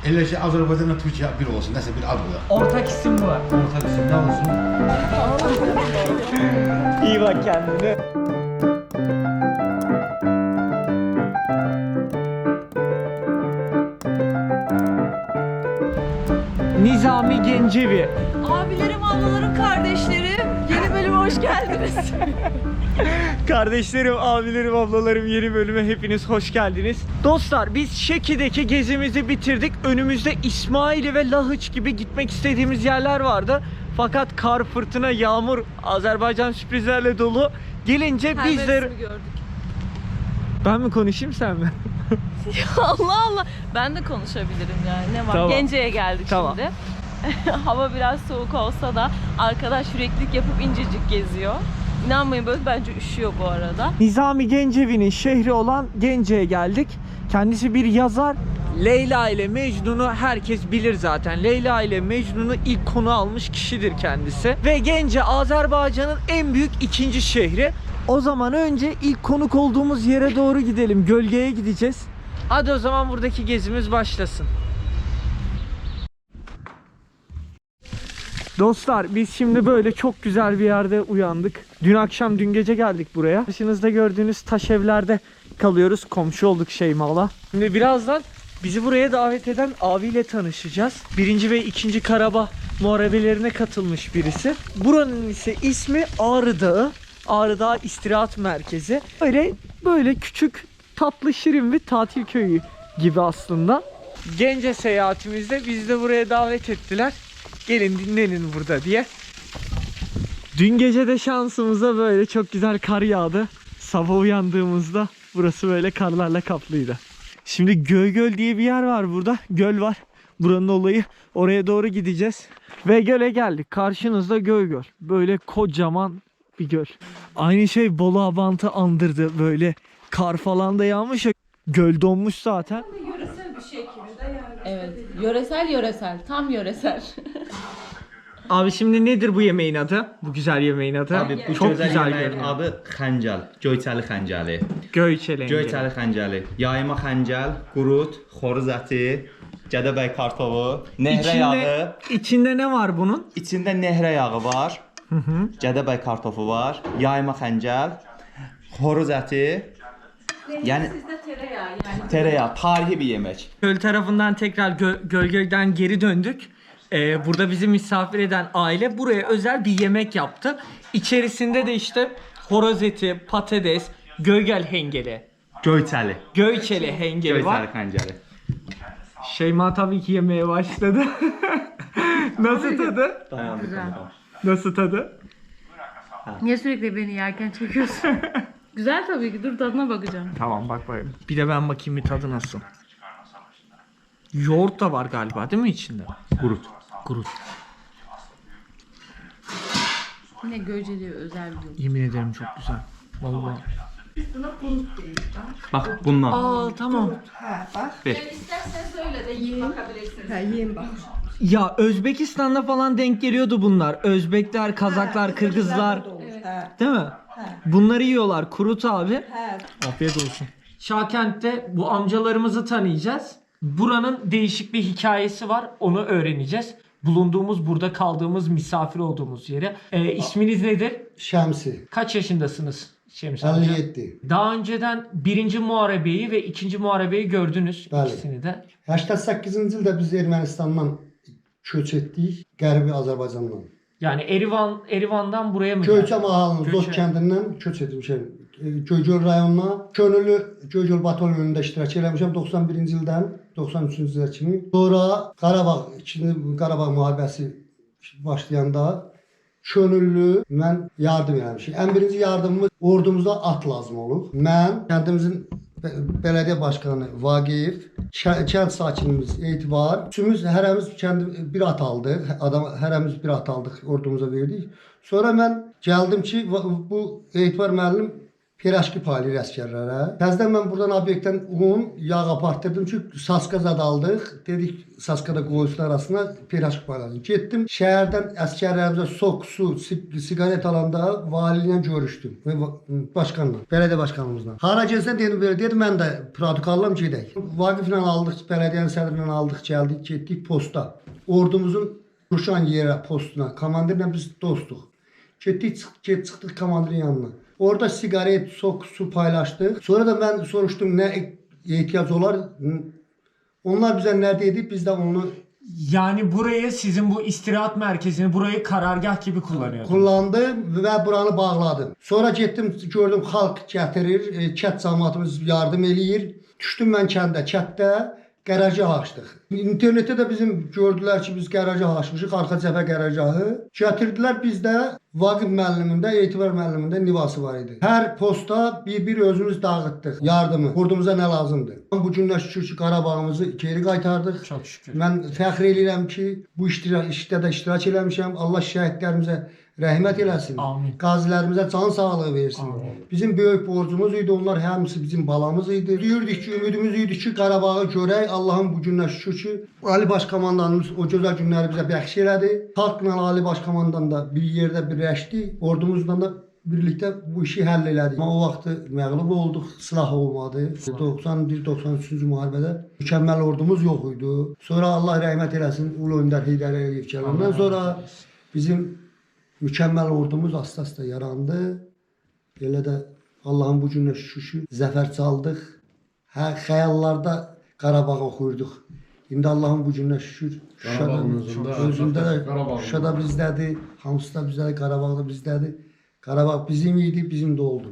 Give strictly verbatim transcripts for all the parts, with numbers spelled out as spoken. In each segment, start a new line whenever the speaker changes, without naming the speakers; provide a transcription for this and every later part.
Elə ki, Azərbaycanla Türkiyə bir olsun, nəsə bir ad qoyaq.
Ortak isim bu var.
Ortak isim nə olsun?
İyi bak kendine. Nizami Gencevi.
Abilerim, ablalarım, kardeşlerim. Yeni bölüme hoş geldiniz.
Kardeşlerim, abilerim, ablalarım, yeni bölüme hepiniz hoş geldiniz. Dostlar, biz Şeki'deki gezimizi bitirdik. Önümüzde İsmaili ve Lahıç gibi gitmek istediğimiz yerler vardı. Fakat kar, fırtına, yağmur, Azerbaycan sürprizlerle dolu. Gelince
Her
bizler...
mevsimi gördük.
Ben mi konuşayım, sen mi?
Allah Allah. Ben de konuşabilirim yani. Ne var?
Tamam.
Gence'ye geldik
Tamam.
şimdi. Hava biraz soğuk olsa da arkadaş yüreklilik yapıp incecik geziyor. İnanmayın, böyle bence üşüyor bu arada.
Nizami Gencevi'nin şehri olan Gence'ye geldik. Kendisi bir yazar. Leyla ile Mecnun'u herkes bilir zaten. Leyla ile Mecnun'u ilk konu almış kişidir kendisi. Ve Gence Azerbaycan'ın en büyük ikinci şehri. O zaman önce ilk konuk olduğumuz yere doğru gidelim. Gölgeye gideceğiz. Hadi o zaman buradaki gezimiz başlasın. Dostlar, biz şimdi böyle çok güzel bir yerde uyandık. Dün akşam, dün gece geldik buraya. Karşınızda gördüğünüz taş evlerde kalıyoruz. Komşu olduk Şeyma'la. Şimdi birazdan bizi buraya davet eden abiyle tanışacağız. Birinci ve ikinci Karabağ muharebelerine katılmış birisi. Buranın ise ismi Ağrı Dağı. Ağrı Dağı İstirahat Merkezi. Böyle böyle küçük, tatlı, şirin bir tatil köyü gibi aslında. Gence seyahatimizde bizi de buraya davet ettiler. Gelin dinlenin burada diye. Dün gece de şansımıza böyle çok güzel kar yağdı. Sabah uyandığımızda burası böyle karlarla kaplıydı. Şimdi Göygöl diye bir yer var burada. Göl var. Buranın olayı. Oraya doğru gideceğiz. Ve göle geldik. Karşınızda Göygöl. Böyle kocaman bir göl. Aynı şey Bolu Abant'ı andırdı. Böyle kar falan da yağmış. Göl donmuş zaten.
Yöresel bir şey gibi de yani. Evet. Yöresel yöresel. Tam yöresel.
Abi şimdi nedir bu yemeğin adı? Bu güzel yemeğin adı.
Abi bu
çok
güzel,
güzel
yemeğin
görünüyor.
adı xəncəl, göyçəli xəncəli.
Göyçelengi.
Göyçəli xəncəli, yayma xəncəl, qurut, xoruz əti, Gədəbəy kartofu, nehrə
İçinde,
yağı.
içinde ne var bunun?
İçində nehrə yağı var.
Hı hı.
Gədəbəy kartofu var, yayma xəncəl, xoruz əti. Yəni
Sizde tereyağı yani.
tereyağı, tarihi bir yemək.
Göl tarafından tekrar gö Gölgöl'den geri döndük. Ee, burada bizi misafir eden aile buraya özel bir yemek yaptı. İçerisinde de işte horoz eti, patates, Göygöl hengeli,
Göyçəli.
Göyçeli hengeli var.
Göyçəli xəncəli.
Şeyma tabii ki yemeye başladı. Nasıl tadı?
Güzel.
Nasıl tadı?
Niye sürekli beni yerken çekiyorsun? Güzel tabii ki. Dur tadına bakacağım.
Tamam, bak bakayım. Bir de ben bakayım bir tadı nasıl. Yoğurt da var galiba değil mi içinde?
Qurut.
Kurut.
Yine Göceli'ye özel bir yol.
Yemin ederim çok güzel. Vallahi.
Bax bundan.
Aa tamam.
Ver.
İsterseniz öyle de yiyin bakabilirsiniz.
Ha, yiyin bak.
Ya Özbekistan'da falan denk geliyordu bunlar. Özbekler, Kazaklar, Kırgızlar.
Ha,
Değil mi? Bunları yiyorlar. Kurut abi.
ha.
Afiyet olsun. Şakent'te bu amcalarımızı tanıyacağız. Buranın değişik bir hikayesi var. Onu öğreneceğiz. Bulunduğumuz, burada kaldığımız, misafir olduğumuz yere. Ee, isminiz nedir?
Şəmsi,
Kaç yaşındasınız Şems amca?
əlli yeddi.
Daha önceden birinci muharebeyi ve ikinci muharebeyi gördünüz.
Bəli.
İkisini de.
səksən səkkizinci ildə biz Ermənistandan köç etdik, Qərbi Azərbaycandan.
Yani Erivan, Erivan'dan buraya mı
Göyçə
geldiniz?
mahalının Zot
Göyçə.
kəndindən köç etmişəm. E, Göygöl rayonuna könüllü Göygöl batalyonunda iştirak eləmişəm doxsan birinci ildən doxsan üçüncü ilə kimi. Sonra Qarabağ, ikinci Qarabağ müharibəsi başlayanda könüllü mən yardım eləmişəm. Ən birinci yardımımız ordumuzda at lazım olub. Mən kəndimizin be- belediyə başqanı Vaqiyev, kə- kənd sakinimiz Etibar, üçümüz hərəmiz kəndi bir at aldıq. Adam hərəmiz bir at aldıq, ordumuza verdik. Sonra mən gəldim ki, va- bu Etibar müəllim Piraşki paylayır əsgərlərə. Təzədən mən buradan obyektdən un, yağ apartdırdım ki, Saska zad aldıq. Dedik Saskada qoyucular arasında piraşki payladım. Getdim şəhərdən əsgərlərimizə sok, su, siqaret alanda vali ilə görüşdüm və başqanla, bələdiyyə başqanımızla. Hara gəlsən dedim belə, dedim mən də protokollam gedək. Vaqiflə aldıq, bələdiyyənin sədrinlə aldıq, gəldik, getdik posta. Ordumuzun Ruşan yerə postuna, komandirlə biz dostuq. Getdik, çıx çıxdıq komandirin yanına. Orada sigaret, sok, su paylaştık. Sonra da ben soruştum ne ihtiyaç olar. Onlar bize ne dedi, biz de onu
Yani burayı sizin bu istirahat merkezini burayı karargah gibi kullanıyordunuz.
kullandım ve buranı bağladım. Sonra gittim gördüm halk gətirir, kət cəmaatımız yardım eləyir. Düşdüm mən kəndə, kətdə Qərargah açdıq. İnternetdə də bizim gördülər ki, biz qərargah açmışıq, arxa cəbhə qərargahı. Gətirdilər bizdə Vaqif müəllimində, Etibar müəllimində nivası var idi. Hər posta bir-bir özümüz dağıtdıq yardımı. Ordumuza nə lazımdır. Bu günlər şükür ki, Qarabağımızı geri qaytardıq.
Çok şükür.
Mən fəxr edirəm ki, bu iştirak, işdə də iştirak eləmişəm. Allah şəhidlərimizə rəhmət eləsin.
Amin.
Qazilərimizə can sağlığı versin.
Amin.
Bizim böyük borcumuz idi. Onlar hamısı bizim balamız idi. Deyirdik ki, ümidimiz idi ki, Qarabağı görək. Allah'ın bu günlər şükür ki, Ali Başkomandanımız o gözəl günləri bizə bəxş elədi. Xalqla Ali Başkomandan da bir yerdə birləşdi. Ordumuzla da birlikdə bu işi həll elədik. Amma o vaxtı məğlub olduq, silah olmadı. doxsan bir doxsan üçüncü müharibədə mükəmməl ordumuz yox idi. Sonra Allah rəhmət eləsin Ulu Öndər Heydər Əliyev gələndən sonra bizim mükəmməl ordumuz asta-asta yarandı. Elə də Allah'ın bu günə şükür zəfər çaldıq. Hə, xəyallarda Qarabağ oxuyurduq. İndi Allah'ın bu günə şükür Şuşada, özündə də Şuşada bizdədir, hamısı da bizdədir, Qarabağ da bizdədir. Qarabağ bizim idi, bizim de oldu.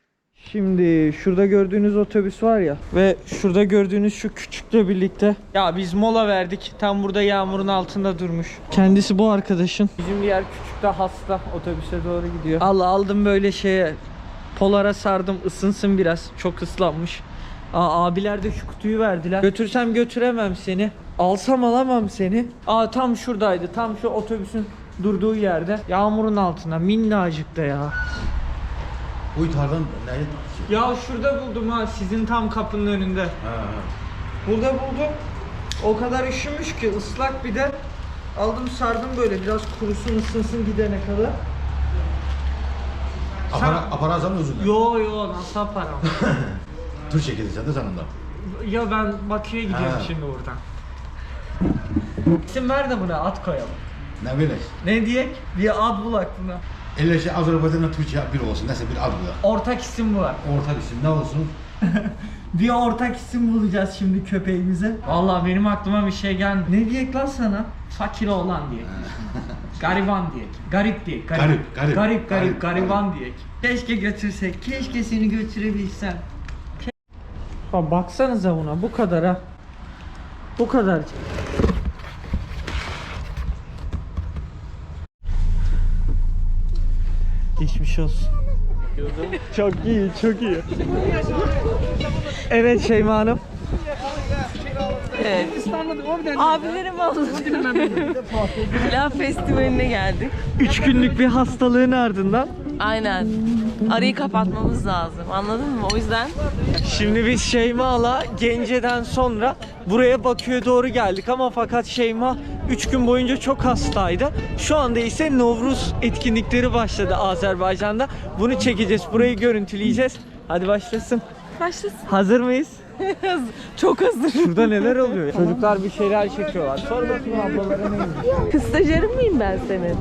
Şimdi şurada gördüğünüz otobüs var ya ve şurada gördüğünüz şu küçükle birlikte ya biz mola verdik. Tam burada yağmurun altında durmuş. Kendisi bu arkadaşın. Bizim diğer küçük de hasta otobüse doğru gidiyor. Allah aldım böyle şeye polara sardım ısınsın biraz. Çok ıslanmış. Aa, abiler de şu kutuyu verdiler. Götürsem götüremem seni. Alsam alamam seni. Aa tam şuradaydı. Tam şu otobüsün durduğu yerde. Yağmurun altında minnacık da ya.
Bu itardan neyi?
Ya şurada buldum ha sizin tam kapının önünde.
Ha, ha.
Burada buldum. O kadar üşümüş ki ıslak bir de. Aldım sardım böyle biraz kurusun ısınsın gidene kadar.
Apara, aparazanın özünden.
Yo yo nasıl param?
Tur çekildi de sanında.
Ya ben Bakü'ye gidiyorum
Ha.
şimdi buradan. İsim ver de buna ad koyalım.
Ne bileyim.
Ne diyek? Bir ad bulak buna.
Elə şey Azərbaycanla Türkiyə bir olsun, nəsə bir ad bu.
Ortak isim bu.
Ortak isim ne olsun?
Bir ortak isim bulacağız şimdi köpeğimize. Vallahi benim aklıma bir şey geldi. Ne diyek lan sana? Fakir oğlan diyek. Gariban diyek. Garip diyek.
Garip, garip.
Garip, garip,
Garip,
gariban diyek. Keşke götürsek. Keşke seni götürebilsem. Ke- Baksanıza buna bu kadar ha. Bu kadar. Geçmiş olsun. Çok iyi, çok iyi. Evet Şeyma Hanım.
Evet. Abilerim anlatıyorum. Pilav Festivali'ne geldik.
Üç günlük bir hastalığın ardından.
Aynen. Arayı kapatmamız lazım. Anladın mı? O yüzden
Şimdi biz Şeyma'la Gence'den sonra buraya Bakü'ye doğru geldik ama fakat Şeyma üç gün boyunca çok hastaydı. Şu anda ise Novruz etkinlikleri başladı Azerbaycan'da. Bunu çekeceğiz, burayı görüntüleyeceğiz. Hadi başlasın.
başlasın.
Hazır mıyız?
Çok hazır.
Şurada neler oluyor? Çocuklar bir şeyler çekiyorlar. Sor bakayım ablalara neymiş?
Kız stajyerin miyim ben senin?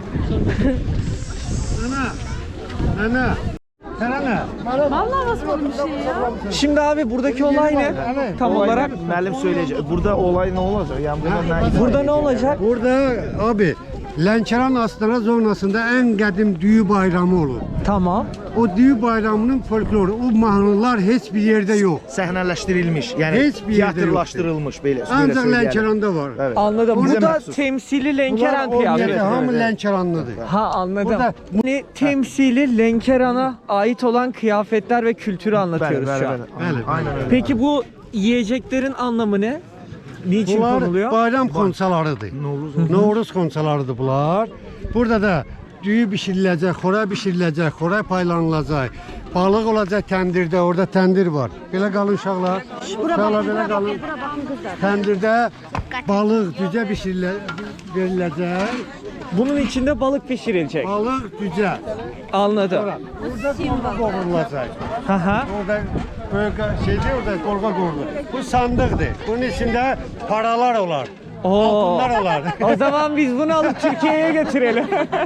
Vallahi basmadım bir şey ya.
Şimdi abi buradaki olay ne? Tam olarak
Müəllim söyləyəcək. Burada olay nə olacaq? Yəni burada nə?
burada ne olacak?
Burada abi Lənkəran Astara zonasında en qədim düyü bayramı olur.
Tamam.
O düyü bayramının folkloru, o mahnılar heç bir yerde yok.
Səhnələşdirilmiş, yəni
Heç bir yerdə
teatrlaşdırılmış belə.
Ancaq
belə söyləyərək.
Lənkəranda var.
Evet.
Anladım.
Bize
Bu da
məxsus.
temsili Lenkeren
Bunlar o
kıyafeti.
yerdə hamı
evet.
Lənkəranlıdır.
Ha anladım.
Burada-
Yani temsili Lenkeran'a ait olan kıyafetler ve kültürü anlatıyoruz
Bəli,
şu
bəli,
an.
bəli.
Bəli,
Aynen öyle.
Peki bu yiyeceklerin anlamı ne? Niçin
Bunlar
konuluyor?
bayram konsalarıdır.
Novruz.
Novruz konsalarıdır bunlar. Burada da düyü bişiriləcək, xora bişiriləcək, xora paylanılacaq. Balıq olacaq təndirdə, orada təndir var. Belə qalın uşaqlar. Uşaqlar belə qalın. Təndirdə balıq cücə bişirilə veriləcək.
Bunun içinde balık pişirilecek.
Balıq cücə.
Anladım.
Burada qovrulacaq.
Hı hı.
Orada böyle şeyde orada qorğa qovrulur. Bu sandıqdır. Bunun içində paralar olar.
Oo.
Altınlar olar.
O zaman biz bunu alıp Türkiye'ye götürelim.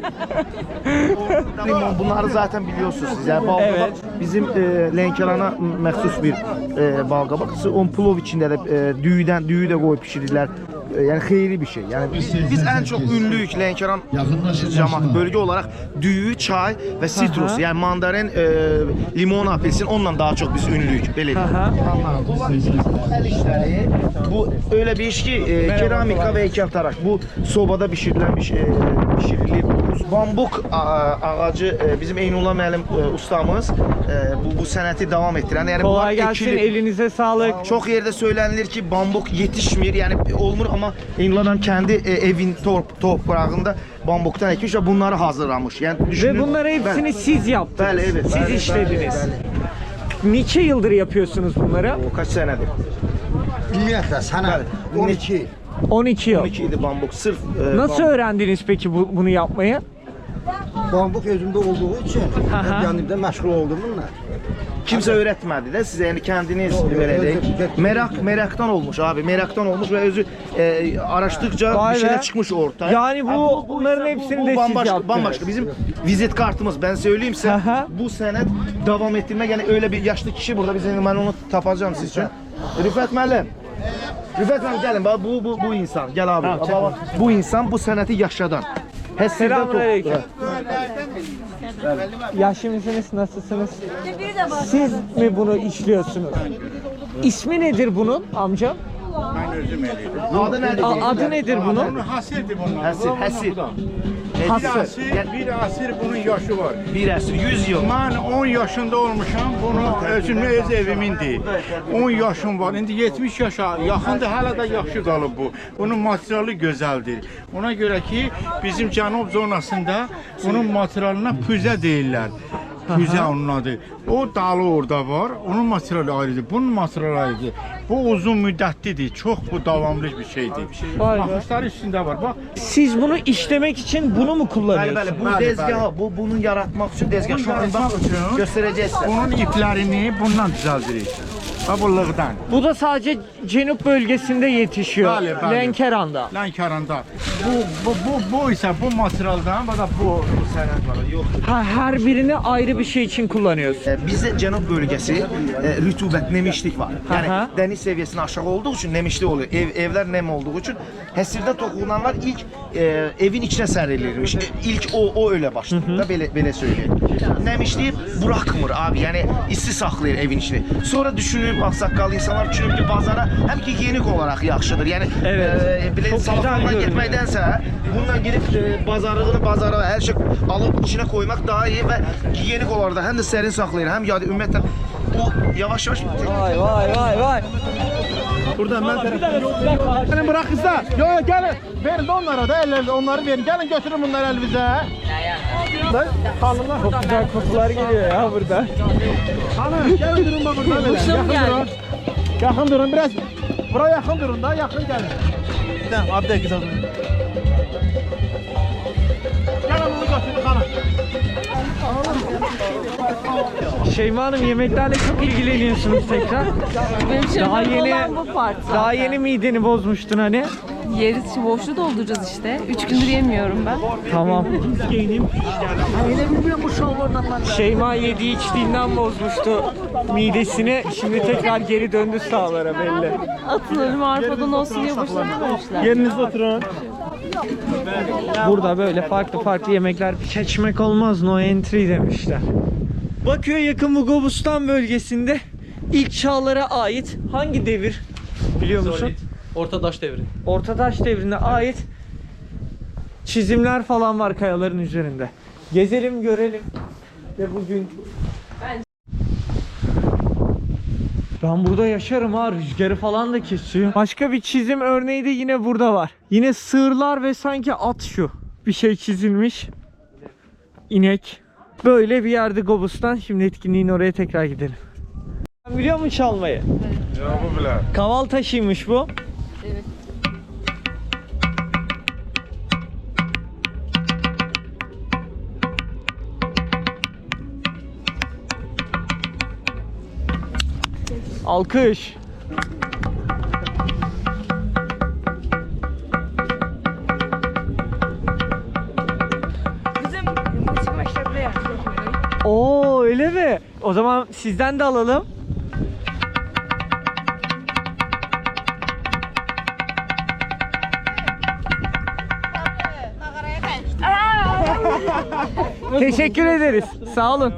Limon bunları zaten biliyorsunuz siz. Yani balqabaq
Evet.
bizim e, Lənkərana məxsus bir e, balqabaq. On plov içində də e, düyüdən düyü də qoyub bişirirlər. E, yəni xeyirli bir şey. Yəni biz, biz ən çox ünlüyük Lənkəran cəmaatı bölgə olaraq düyü, çay və sitrus.
Aha.
Yəni mandarin, e, limon, apelsin onunla daha çox biz ünlüyük. Belə deyim.
Aha.
El işləri bu öyle bir iş ki e, keramika ve heykeltıraş. Bu sobada pişirilen bir şey, e, pişirilir. Bambuk a- ağacı e, bizim Eynullah müəllim e, ustamız e, bu bu sənəti davam etdirən. Yəni bunlar
Kolay gelsin,
ekili.
elinize sağlık.
Çok yerde söylenilir ki bambuk yetişmir yani olmur ama Eynullah kendi e, evin top, toprağında bambuktan ekmiş ve bunları hazırlamış. Yani düşünün.
Ve bunları hepsini
Bəli.
siz yaptınız.
Bəli, evet.
Siz
Bəli,
işlediniz.
bəli,
Niçe yıldır yapıyorsunuz bunları?
O kaç senedir?
Ümumiyyətlə sənə on iki
on iki yıl.
on iki idi bambuk sırf. e,
Nasıl
bambuk.
öğrendiniz peki bu, bunu yapmayı?
bambuk özümdə olduğu üçün
Aha.
yanımda məşğul oldum bununla.
Kimse öğretmedi de size yani kendiniz böyle
evet,
de.
evet.
Merak meraktan olmuş abi. Meraktan olmuş ve özü e, araştıkça
Vay
bir şeyler
be.
çıkmış ortaya.
Yani bu-
Abi
bunların
ise
hepsini de siz
bambaşka,
yaptınız.
bambaşka. Bizim vizit kartımız ben söyleyeyim size.
Aha.
Bu senet devam ettirmek yani öyle bir yaşlı kişi burada bizim ben onu tapacağım siz için. Rüfet müəllim. Rüfet müəllim gelin bak bu bu bu insan. Gel abi. Baba, bu insan bu seneti yaşadan. Həsirdən
Selamünaleyküm.
top-
Yaşlı mısınız? Nasılsınız? Siz mi bunu işliyorsunuz? İsmi nedir bunun amcam?
Adı nedir?
A- adı nedir bunun?
Hasildir bunlar.
Həsir, həsir.
Bir
Hasır.
asir, bir asir bunun yaşı var.
Bir əsr, yüz yıl.
Ben on yaşında olmuşam, bunu özümün öz evimindir. on yaşım var, indi yetmiş yaşa yaxındır, hala da yaxşı qalıb bu. Bunun materialı gözəldir. Ona görə ki, bizim cənub zonasında bunun materialına püzə deyirlər. Püzə onun adı. O dalı orada var, onun materialı ayrıdır, bunun materialı ayrıdır. Bu uzun müddətlidir, çox bu davamlı bir şeydir.
Vay be.
Baxışlar üstündə var, bax.
Siz bunu işlemek için bunu mu
Bəli,
kullanıyorsunuz?
bəli. Bu
Bəli,
dezgahı, bu bunun yaratmaq üçün dezgah. Şu an bax
Yaratmaq üçün
göstərəcək sizə.
Onun iplərini bundan düzəldirik. Ha bu lığdan.
Bu da sadece Cenup bölgesinde yetişiyor.
Bəli, bəli.
Lenkeran'da.
Lənkəranda. Bu bu bu bu isə bu materialdan, bu da bu
Sənət var, yox.
Ha, her birini ayrı bir şey için kullanıyorsun.
E, Bizdə cənub bölgəsi e, rütubət, nemişlik var. Yəni
Aha.
dəniz səviyyəsinin aşağı olduğu üçün nemişlik oluyor. Ev evlər nem olduğu üçün həsirdə toxunanlar ilk e, evin içinə sərilirmiş. E, ilk o o öyle başladı da belə belə söyləyək. Nemişliyi buraxmır abi. Yəni isti saxlayır evin içini. Sonra düşünüb ağsaqqallı insanlar düşünüb ki, bazara həm ki gigiyenik olaraq yaxşıdır. Yəni
Evet.
e, belə
Çok güzel
salafondan
görünüyor.
getməkdənsə bundan gedib e, bazarlığını bazara hər şey alıb içinə koymaq daha iyi və gigiyenik olaraq da həm də sərin saxlayır, həm yadi ümumiyyətlə o yavaş yavaş
Vay vay vay vay.
Buradan mən Gəlin bırak kızlar. Yo yo gelin. Verin de onlara da ellerle onları verin. Gelin götürün bunları elinize. Lan hanımlar.
Çok güzel kokular geliyor ya burada.
Hanım gelin durun bak burada böyle.
Kuşum
Yakın
geldi.
durun. Yakın durun biraz. Buraya yakın durun da yakın gelin. Tamam abi de kızım. Gelin bunu götürün hanım.
Şeyma Hanım yemeklerle çok ilgileniyorsunuz tekrar.
Benim için
Daha
önemli
yeni
olan bu part zaten.
daha yeni mideni bozmuştun hani.
Yeriz, şimdi boşluğu dolduracağız işte. Üç gündür yemiyorum ben.
Tamam. Şeyma yediği içtiğinden bozmuştu midesini. Şimdi tekrar geri döndü sağlara belli.
Atılırım arpadan olsun diye boşuna dememişler.
Yerinizde oturun.
Burada böyle farklı farklı yemekler seçmek olmaz, no entry demişler. Bakü'ye yakın Bugobustan bölgesinde ilk çağlara ait hangi devir biliyor musun?
Ortadaş devri.
Ortadaş devrine ait çizimler falan var kayaların üzerinde. Gezelim görelim ve bugün ben burada yaşarım ha, rüzgarı falan da kesiyor. Başka bir çizim örneği de yine burada var. Yine sığırlar ve sanki at şu bir şey çizilmiş. inek. Böyle bir yerde Gobustan. Şimdi etkinliğin oraya tekrar gidelim. Sen biliyor musun çalmayı?
Ya bu bile.
Kaval taşıymış bu.
Evet.
Alkış.
Bizim müzik mektebinde yapıyoruz.
Oo öyle mi? O zaman sizden de alalım. Teşekkür ederiz. Sağ olun.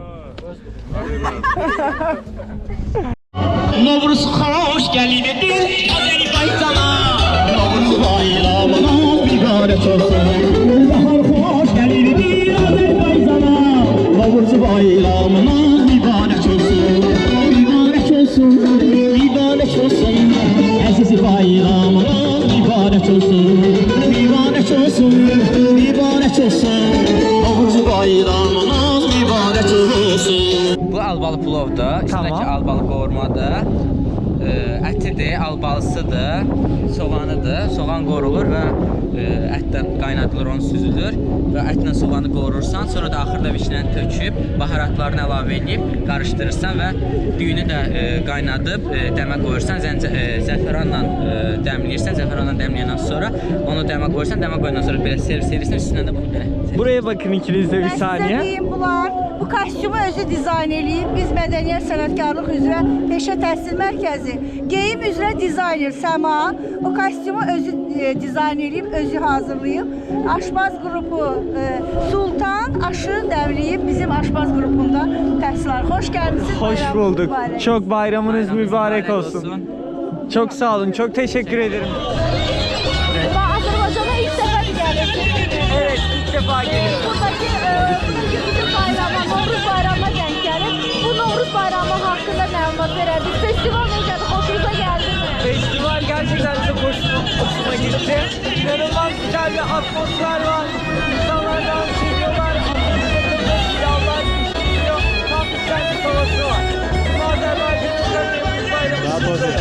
Novruz hoş geldin Azerbaycan'a. Novruz bayramına mübarek olsun. Bahar hoş geldin Azerbaycan'a. Novruz bayramına mübarek olsun. Mübarek olsun, mübarek olsun. Aziz bayramına mübarek olsun. Mübarek olsun, mübarek olsun. Novruz bayramına mübarek olsun.
Bu albalı plovdur. İçindəki
Tamam.
albalı qovurmadır. E, ətidir, albalısıdır, soğanıdır. Soğan qorulur və e, ətdən qaynadılır, onu süzülür və ətlə soğanı qovurursan, sonra da axırda vişnəni töküb, baharatlarını əlavə edib qarışdırırsan və düyünü də e, qaynadıb e, dəmə qoyursan, zəncə, e, zəfəranla e, dəmləyirsən, zəfəranla dəmləyəndən sonra onu dəmə qoyursan, dəmə qoyandan sonra belə servis edirsən, üstündən də bunu belə.
Buraya bakın ikiniz de bir saniye.
Diyeyim bunlar. Bu kostyumu özü dizayn eləyib. Biz Mədəniyyət Sənətkarlıq üzrə Peşə Təhsil Mərkəzi geyim üzrə dizayner Səma o kostyumu özü e, dizayn eləyib, özü hazırlayıb. Aşpaz qrupu e, Sultan aşı dəmləyib bizim aşpaz qrupunda təhsil alır. Xoş gəlmisiniz.
Hoş
bayramınız
bulduk.
mübarək.
Çok bayramınız
Bayramınız
mübarek
mübarək
olsun.
olsun.
Çok sağ olun. Çok teşekkür ederim.
Ben Azərbaycana ilk dəfə gəldim.
Evet, ilk defa geliyorum.
Buradaki e, bugünkü bizim bayrama, Novruz bayramına denk gelip bu Novruz bayramı hakkında məlumat verədik. Festival necədir? Hoşunuza geldi mi?
Festival gerçekten çok hoşuma, hoşuma gitti. İnanılmaz güzel bir atmosfer var. İnsanlar dans ediyorlar. Yallar düşüyor. Tam güzel bir havası var. Bu Azerbaycan'ın Novruz bayramı.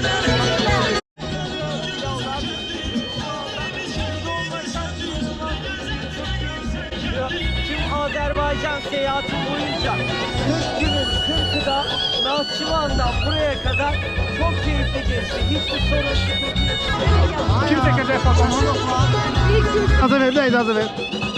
Tüm Azerbaycan seyahati boyunca kırk günün kırkı da Nahçıvan'dan buraya kadar çok keyifli geçti. Hiçbir sorun sıkıntı yok.
Kim çekecek kafamı? İcazə ver, də icazə ver.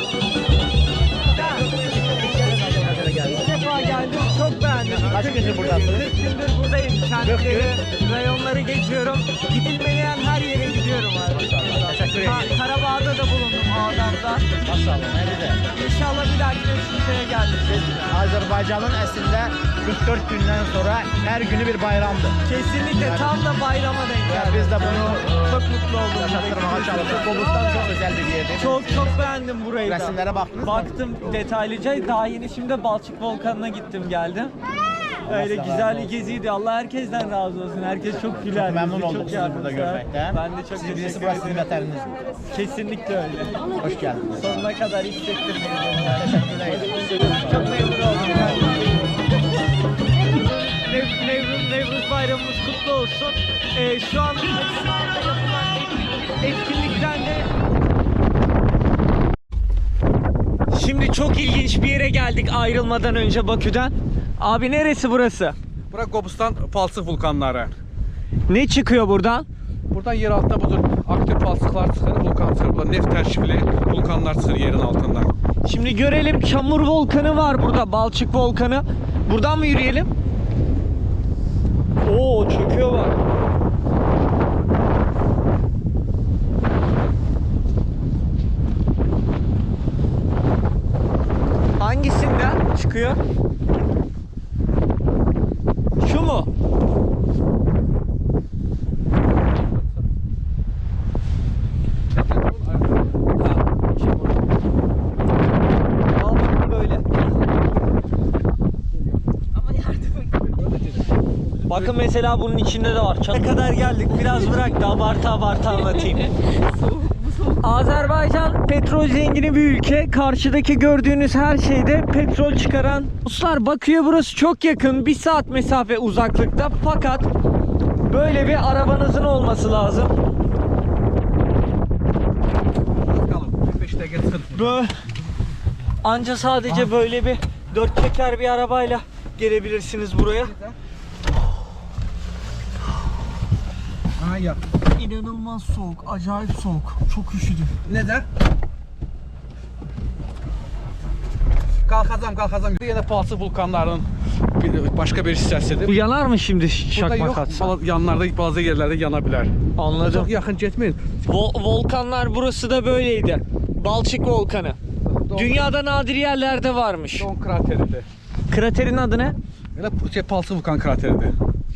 İlk defa geldim, çok beğendim. Kaç gündür buradasın? kırk gündür buradayım. Kentleri, rayonları geçiyorum. Gidilmeyen her yere gidiyorum abi.
Teşekkür ederim.
Ha, Karabağ'da da bulundum Ağdam'da.
Maşallah, ne güzel.
İnşallah bir dahaki Şimşek'e geldik.
Azerbaycanın əslində kırk dört gündən sonra hər günü bir bayramdır.
Kesinlikle tam da bayrama denk
Yani
geldi.
biz de bunu
Çok mutlu oldum.
yaşatırmağa çalışıyoruz. Qobustan çok özel bir yerdir.
Çok çok beğendim burayı da.
Resimlere baktınız mı?
Baktım detaylıca. Daha yeni şimdi Balçık Volkanı'na gittim geldim. Öyle güzel bir geziydi. Allah herkesten razı olsun. Herkes çok güler.
Memnun
yüzlü,
olduk
çok
sizi burada
yardımsever.
görmekten.
Ben de çok
Sizin
teşekkür
burası sizin
ederim.
vətəniniz.
Kesinlikle öyle.
Hoş geldiniz.
Sonuna kadar hissettim.
Teşekkür ederim.
Çok memnun oldum. Nev- Nevruz, Nevruz bayramımız kutlu olsun. Ee, şu an yapılan etkinlikten de Şimdi çok ilginç bir yere geldik ayrılmadan önce Bakü'den. Abi neresi burası?
Bura Qobustan palçıq vulkanları.
Ne çıkıyor buradan?
Buradan yer altında budur aktiv palçıqlar çıxır, vulkan çıxır. Burada neft tərkibli vulkanlar çıxır yerin altından.
Şimdi görelim, Çamur Volkanı var burada, Balçık Volkanı. Buradan mı yürüyelim? Oo, çöküyor bak. Hangisinden çıkıyor? Şu mu? Al bakın böyle. Bakın mesela bunun içinde de var. Ne kadar geldik, biraz bırak da abartı abartı anlatayım.
Soğuk, bu soğuk
Azerbaycan petrol zengini bir ülke. Karşıdaki gördüğünüz her şeyde petrol çıkaran. Dostlar, Bakü'ye burası çok yakın. Bir saat mesafe uzaklıkta. Fakat böyle bir arabanızın olması lazım. Böyle, anca sadece böyle bir dört çeker bir arabayla gelebilirsiniz buraya. İnanılmaz soğuk, acayip soğuk. Çok üşüdüm.
Neden? Kalkacağım, kalkacağım. Yine palçıq vulkanların bir, başka bir hissəsidir.
Bu yanar mı şimdi
Burada
şakmak
yox,
atsa?
bala- yanlarda bazı yerlerde yana bilər.
Anladım.
Çok yakın getmeyin.
Vol- volkanlar burası da böyleydi. Balçık volkanı. Dünyada nadir yerlerde varmış.
Don krateridir.
Kraterin adı ne?
Elə şey, palçıq vulkan krateridir.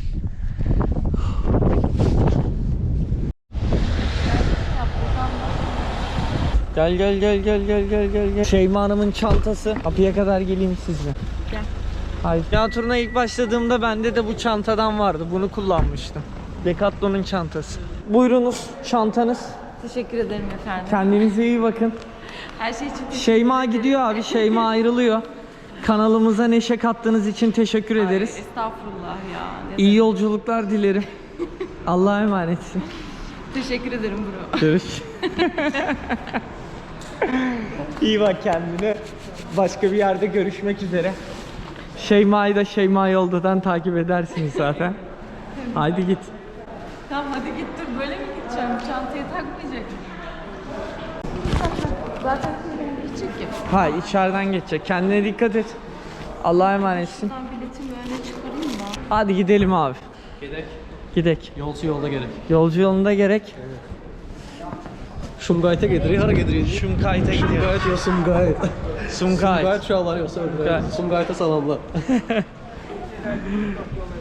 Gel gel gel gel gel gel gel gel. Şeyma Hanım'ın çantası. Kapıya kadar geleyim sizle.
Gel.
Hayır. Dünya turuna ilk başladığımda bende de bu çantadan vardı. Bunu kullanmıştım. Decathlon'un çantası. Buyurunuz çantanız.
Teşekkür ederim efendim.
Kendinize iyi bakın.
Her şey için teşekkür
Şeyma
ederim.
gidiyor abi. Şeyma ayrılıyor. Kanalımıza neşe kattığınız için teşekkür
Ay,
ederiz.
estağfurullah ya. Ne
İyi yolculuklar dilerim. Allah'a emanetsin.
Teşekkür ederim bro.
Görüş. İyi bak kendine. Başka bir yerde görüşmek üzere. Şeyma'yı da Şeyma Yolda'dan takip edersiniz zaten. Haydi git.
Tamam hadi git dur, böyle mi gideceğim? Çantayı takmayacak mıyım? Zaten kuyruğunu gidecek ya.
Hayır, içeriden geçecek. Kendine dikkat et. Allah'a emanetsin.
Ben biletimi öne çıkarayım mı?
Hadi gidelim abi.
Gedək.
Gidek.
Yolcu yolda gerek.
Yolcu yolunda gerek.
Şumgayt'a gedirik. Hara gedirik?
Şumkayt'a gidiyor.
Şumgayt ya Sumgayt.
Sumkayt.
Sumgayt uşaqları yoxsa öldürək. Sumgayt'a salamlar.